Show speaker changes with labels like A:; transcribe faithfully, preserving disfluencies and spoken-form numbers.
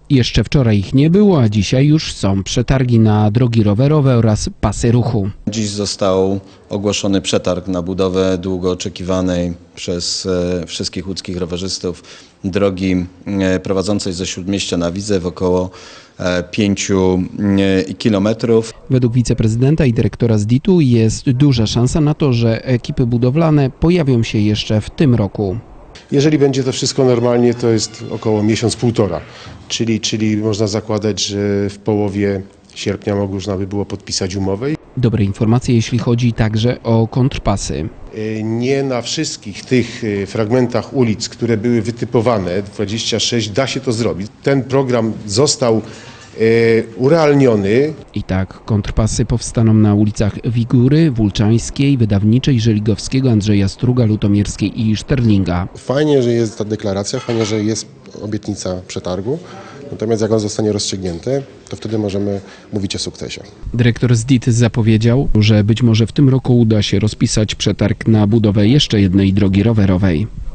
A: Jeszcze wczoraj ich nie było, a dzisiaj już są przetargi na drogi rowerowe oraz pasy ruchu.
B: Dziś został ogłoszony przetarg na budowę długo oczekiwanej przez wszystkich łódzkich rowerzystów drogi prowadzącej ze Śródmieścia na Widzew około pięciu kilometrów.
A: Według wiceprezydenta i dyrektora Z D I T-u jest duża szansa na to, że ekipy budowlane pojawią się jeszcze w tym roku.
C: Jeżeli będzie to wszystko normalnie, to jest około miesiąc, półtora, czyli, czyli można zakładać, że w połowie sierpnia można by było podpisać umowę.
A: Dobre informacje, jeśli chodzi także o kontrpasy.
C: Nie na wszystkich tych fragmentach ulic, które były wytypowane, dwadzieścia sześć, da się to zrobić. Ten program został urealniony.
A: I tak, kontrpasy powstaną na ulicach Wigury, Wulczańskiej, Wydawniczej, Żeligowskiego, Andrzeja Struga, Lutomierskiej i Szterlinga.
D: Fajnie, że jest ta deklaracja, fajnie, że jest obietnica przetargu, natomiast jak on zostanie rozstrzygnięty, to wtedy możemy mówić o sukcesie.
A: Dyrektor Z D I T zapowiedział, że być może w tym roku uda się rozpisać przetarg na budowę jeszcze jednej drogi rowerowej.